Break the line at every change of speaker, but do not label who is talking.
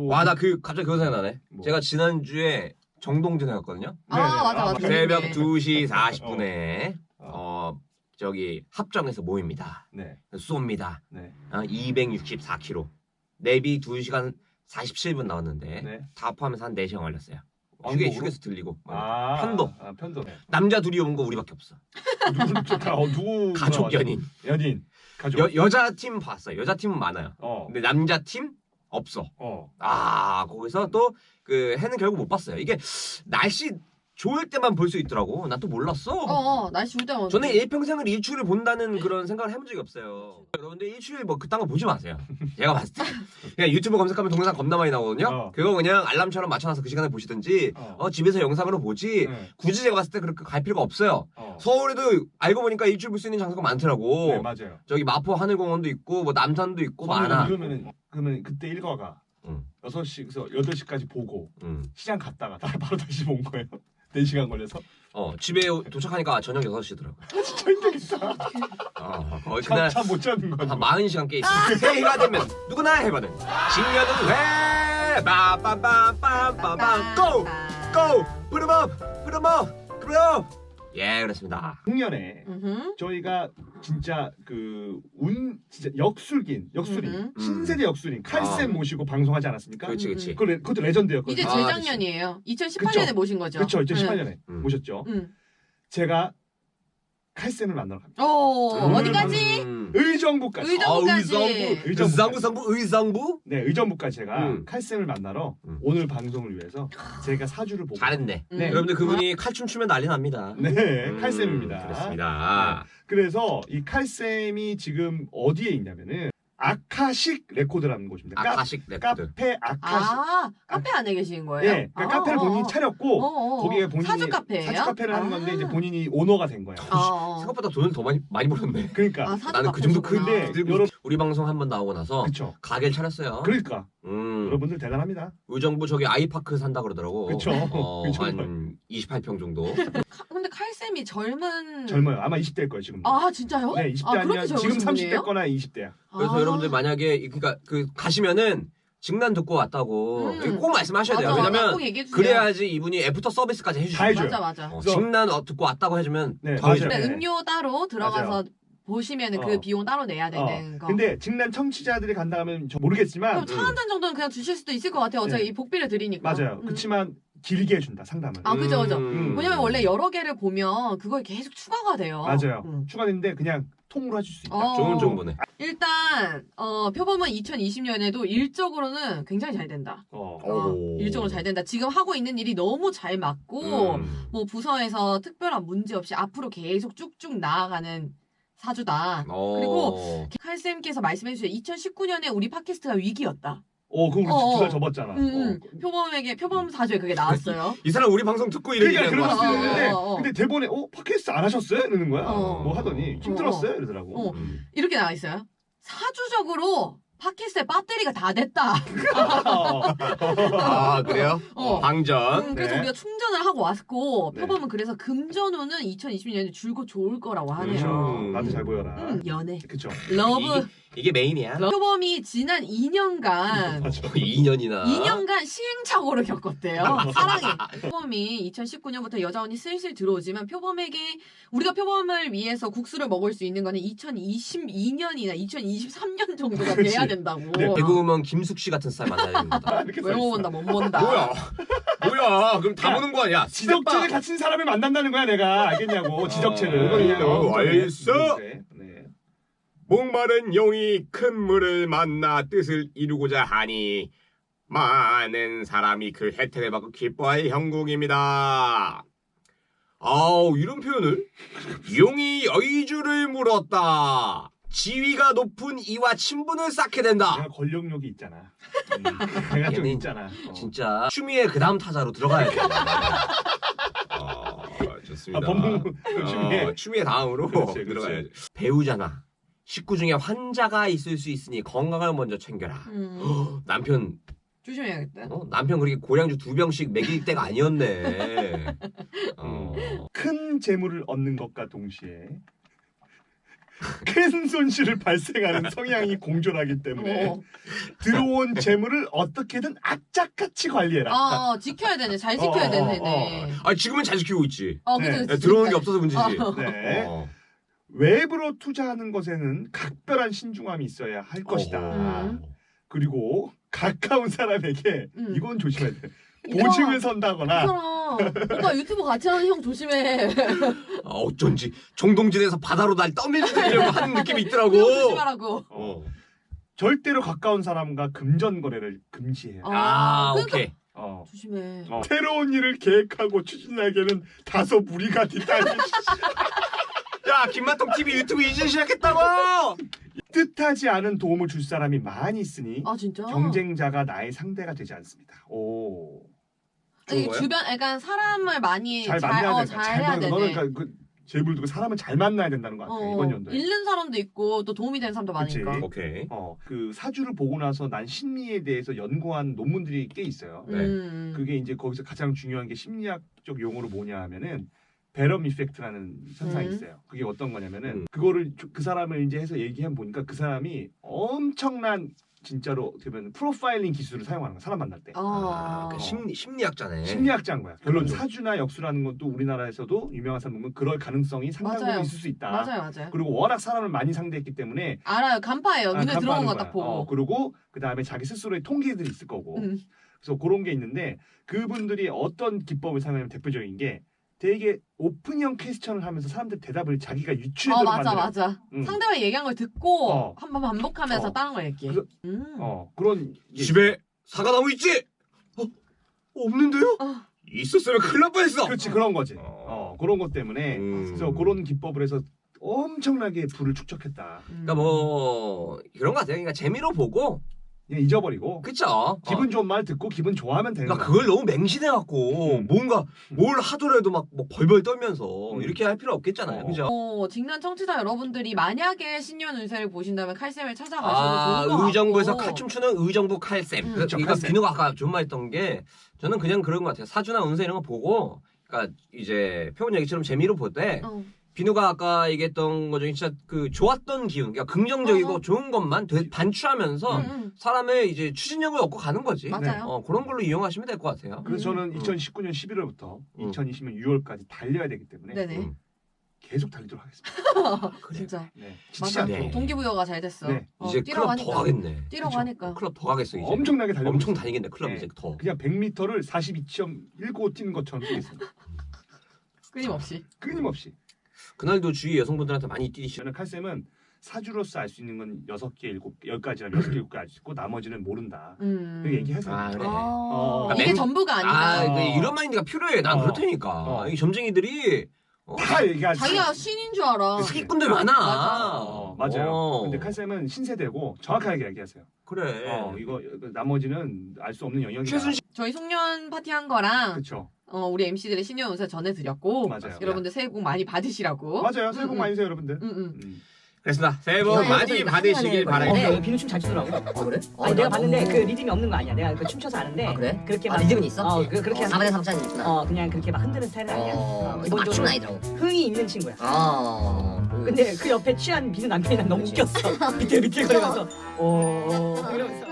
와, 나 갑자기 그거 생각나네.
뭐.
제가 지난주에 정동진 해갔거든요.
맞아.
새벽
네.
2시 40분에 저기 합정에서 모입니다.
네.
쏩니다.
네.
264km. 내비 2시간 47분 나왔는데
네.
다 포함해서 한 4시간 걸렸어요.
왕복으로?
휴게소 들리고.
편도.
남자 둘이 온 거 우리밖에 없어.
누구
가족 연인.
가족.
여자 팀 봤어요. 여자 팀은 많아요. 근데 남자 팀 없어. 거기서 또 그 해는 결국 못 봤어요. 이게 날씨 좋을 때만 볼 수 있더라고. 난 또 몰랐어.
날씨 좋을 때만.
저는 일평생을 일출을 본다는 그런 생각을 해본 적이 없어요. 여러분들 일출 뭐 그딴 거 보지 마세요. 제가 봤을 때 그냥 유튜브 검색하면 동영상 겁나 많이 나오거든요. 그거 그냥 알람처럼 맞춰놔서 그 시간에 보시든지 집에서 영상으로 보지. 굳이 제가 봤을 때 그렇게 갈 필요가 없어요. 서울에도 알고 보니까 일출 볼 수 있는 장소가 많더라고.
네, 맞아요.
저기 마포 하늘공원도 있고 뭐 남산도 있고 많아.
그러면 그때 일과가 6시에서 8시까지 보고 시장 갔다가 바로 다시 온 거예요. 4시간 걸려서.
집에 도착하니까 저녁 6시더라고.
진짜 힘들겠다.
거의 그날
잠 못 자는 거야.
한 40시간 깨 있어. 새해가 되면 누구나 해거든. 신년은 회 빠빰빰빰빰빰 고! 고! 부름업! 예, 그렇습니다.
작년에 저희가 진짜 진짜 역술인 신세대 역술인 칼쌤 모시고 방송하지 않았습니까?
그렇지.
그것도 레전드였거든요.
이제 재작년이에요. 2018년에 모신 거죠.
그렇죠. 2018년에 모셨죠. 제가 칼쌤을 만나러 갑니다.
어디까지?
의정부까지.
의정부?
네, 의정부까지 제가 칼쌤을 만나러 오늘 방송을 위해서 제가 사주를 보고.
잘했네. 네. 여러분들 그분이 칼춤 추면 난리 납니다.
네, 칼쌤입니다.
그렇습니다.
네. 그래서 이 칼쌤이 지금 어디에 있냐면은 아카식 레코드라는 곳입니다.
아카식 레코드.
카페 아카식.
카페 안에 계시는 거예요?
네, 그러니까 카페를 본인이 차렸고 거기에 본인이
사주 카페예요?
사주 카페를 하는 건데 이제 본인이 오너가 된 거예요.
생각보다 돈을 더 많이 벌었네.
그러니까
나는 그 정도
근데
여러분 우리 방송 한번 나오고 나서
그쵸.
가게를 차렸어요.
그러니까 여러분들 대단합니다.
의정부 저기 아이파크 산다 그러더라고.
그렇죠.
한 28평 정도.
근데 칼쌤이
젊어요. 아마 20대일 거예요 지금.
진짜요?
네, 20대 아니면 지금 30대 거나 20대야.
그래서 여러분들 만약에 그러니까 가시면은 직난 듣고 왔다고 꼭 말씀하셔야 돼요. 왜냐면 그래야지 이분이 애프터 서비스까지 해주셔요.
맞아.
직난 듣고 왔다고 해주면
더
해줘요. 음료 따로 들어가서 보시면 그 비용 따로 내야 되는 거.
근데 직난 청취자들이 간다 하면 저 모르겠지만
그럼 차 한 잔 정도는 그냥 주실 수도 있을 것 같아요. 어차피 이 복비를 드리니까.
맞아요. 그렇지만 길게 해준다 상담을.
그죠. 왜냐면 원래 여러 개를 보면 그걸 계속 추가가 돼요.
맞아요. 추가되는데 그냥 통으로 해줄 수 있다.
좋은 정보네.
일단 표범은 2020년에도 일적으로는 굉장히 잘 된다. 일적으로 잘 된다. 지금 하고 있는 일이 너무 잘 맞고 뭐 부서에서 특별한 문제 없이 앞으로 계속 쭉쭉 나아가는 사주다. 그리고 칼쌤께서 말씀해주세요. 2019년에 우리 팟캐스트가 위기였다.
그럼 우리 2달 접었잖아.
표범 사주에 그게 나왔어요.
이 사람 우리 방송 듣고 이런 얘기한 거 같은데.
근데 대본에 팟캐스트 안 하셨어요? 이러는 거야. 뭐 하더니 힘들었어요? 이러더라고.
이렇게 나와 있어요. 사주적으로 팟캐스트의 배터리가 다 됐다.
그래요? 방전.
그래서 우리가 충전을 하고 왔고 표범은 그래서 금전운은 2020년에 줄곧 좋을 거라고 하네요.
나도 잘 보여라.
연애.
그쵸.
러브.
이게 메인이야.
표범이 지난 2년간
2년간
시행착오를 겪었대요. 사랑에. 표범이 2019년부터 여자운이 슬슬 들어오지만 우리가 표범을 위해서 국수를 먹을 수 있는 거는 2022년이나 2023년 정도가 돼야 된다고.
네, 개그우먼 김숙 씨 같은 스타일 만나야 됩니다.
외워본다 못 본다.
뭐야? 그럼 다 보는 거 아니야?
지적체를 갖춘 사람을 만난다는 거야 내가. 알겠냐고. 지적체를.
알겠어. 목마른 용이 큰 물을 만나 뜻을 이루고자 하니 많은 사람이 그 혜택을 받고 기뻐할 형국입니다. 이런 표현을 용이 여의주를 물었다. 지위가 높은 이와 친분을 쌓게 된다.
내가 권력욕이 있잖아. 내가 좀 있잖아.
진짜 추미애 그 다음 타자로 들어가야 돼. 좋습니다. 추미애 다음으로 들어가야지. 배우잖아. 식구 중에 환자가 있을 수 있으니 건강을 먼저 챙겨라. 남편
조심해야겠다.
남편 그렇게 고량주 2병씩 먹일 때가 아니었네.
큰 재물을 얻는 것과 동시에 큰 손실을 발생하는 성향이 공존하기 때문에 들어온 재물을 어떻게든 악착같이 관리해라.
지켜야 되네. 잘 지켜야 되네.
아 지금은 잘 지키고 있지.
그치, 그치.
들어오는 게 없어서 문제지.
네. 외부로 투자하는 것에는 각별한 신중함이 있어야 할 것이다. 그리고 가까운 사람에게 이건 조심해야 돼. 보증을 선다거나.
오빠 유튜브 같이 하는 형 조심해.
어쩐지 정동진에서 바다로 날 떠밀리려고 하는 느낌이 있더라고.
조심하라고.
절대로 가까운 사람과 금전 거래를 금지해요.
오케이.
조심해.
새로운 일을 계획하고 추진하기에는 다소 무리가 있다니.
야 김만통 TV 유튜브 이제 시작했다고.
뜻하지 않은 도움을 줄 사람이 많이 있으니
진짜?
경쟁자가 나의 상대가 되지 않습니다. 오.
아니, 주변 약간 사람을 많이
잘 만나야
잘 해야 되네.
너는 그러니까 제불 두고 사람을 잘 만나야 된다는 것 같아. 이번 연도에.
잃는 사람도 있고 또 도움이 되는 사람도
그치?
많으니까.
오케이.
그 사주를 보고 나서 난 심리에 대해서 연구한 논문들이 꽤 있어요. 그게 이제 거기서 가장 중요한 게 심리학적 용어로 뭐냐 하면은 베럼 이펙트라는 현상이 있어요. 그게 어떤 거냐면은 그거를 그 사람을 이제 해서 얘기해 보니까 그 사람이 엄청난 진짜로 되면 프로파일링 기술을 사용하는 거야. 사람 만날 때.
그러니까 심리학자네.
심리학자인 거야. 결론 사주나 역수라는 것도 우리나라에서도 유명한 사람 보면 그럴 가능성이 상당 부분 있을 수 있다.
맞아요.
그리고 워낙 사람을 많이 상대했기 때문에
알아요. 간파예요. 눈에 들어온 거 딱 보고.
그리고 그 다음에 자기 스스로의 통계들이 있을 거고. 그래서 그런 게 있는데 그분들이 어떤 기법을 사용하냐면 대표적인 게 되게 오픈형 퀘스천을 하면서 사람들 대답을 자기가 유추해서
맞아. 상대방이 얘기한 걸 듣고 한번 반복하면서 다른 걸 얘기해.
그런
집에 사과나무 있지? 없는데요? 있었으면 큰일 날 뻔했어.
그렇지 그런 거지. 그런 것 때문에 그래서 그런 기법을 해서 엄청나게 부를 축적했다.
그러니까 뭐 그런 거 같아요. 그러니까 재미로 보고
그냥 잊어버리고.
그쵸.
기분 좋은 말 듣고 기분 좋아하면 되는
그러니까
거야.
그걸 너무 맹신해갖고 뭔가 뭘 하더라도 막 뭐 벌벌 떨면서 이렇게 할 필요 없겠잖아요. 그죠?
직난 청취자 여러분들이 만약에 신년 운세를 보신다면 칼쌤을 찾아가셔도 좋을 것 같고.
의정부에서 칼 춤추는 의정부 칼쌤. 그러니까
칼쌤.
비누가 아까 좋은 말 했던 게 저는 그냥 그런 것 같아요. 사주나 운세 이런 거 보고 그러니까 이제 표본 얘기처럼 재미로 보되 비누가 아까 얘기했던 거 중에 진짜 그 좋았던 기운, 그러니까 긍정적이고 좋은 것만 반추하면서 사람의 이제 추진력을 얻고 가는 거지.
맞아요.
그런 걸로 이용하시면 될 것 같아요.
그래서 저는 2019년 11월부터 2020년 6월까지 달려야 되기 때문에
네네.
계속 달리도록 하겠습니다.
진짜.
네.
맞아.
네.
동기부여가 잘 됐어.
네.
이제 클럽 더 가겠네.
뛰라고 하니까.
클럽 더 가겠어 이제.
엄청나게 달려.
엄청 다니겠네 클럽
네.
이제 더.
그냥 100m를 42.19 뛰는 것처럼 뛰겠습니다. 끊임없이.
그날도 주위 여성분들한테 많이 뛰시죠.
저는 칼쌤은 사주로서 알 수 있는 건 6개, 10가지나 6개, 7개 알 수 있고 나머지는 모른다. 그 얘기해서.
그래.
이게 전부가 아니다.
이런 마인드가 필요해. 난 그렇다니까. 이 점쟁이들이
다 얘기하지.
자기가 신인 줄 알아.
사기꾼들 많아.
맞아요. 근데 칼쌤은 신세대고 정확하게 얘기하세요.
그래.
이거 나머지는 알 수 없는 영역이다.
최순실
저희 송년 파티 한 거랑
그렇죠.
우리 MC들의 신년 운세 전해드렸고
맞아요.
여러분들 새해 복 많이 받으시라고.
맞아요. 새해 복 많이 되세요, 여러분들.
그렇습니다. 새해 복 많이 받으시길 바랍니다.
비누 춤 잘 추더라고.
그래?
아니 내가 봤는데 그 리듬이 없는 거 아니야. 내가 그 춤춰서 아는데.
그래?
그렇게
아,
막
리듬은 있어?
그렇게
4분의 3차는 있구나.
그냥 그렇게 막 흔드는 스타일은 아니야.
맞춤은 아니더라고.
흥이 있는 친구야.
그
근데 그 옆에 취한 비누 남편이 난 너무 웃겼어. 비틀비틀거리면서 이러면서.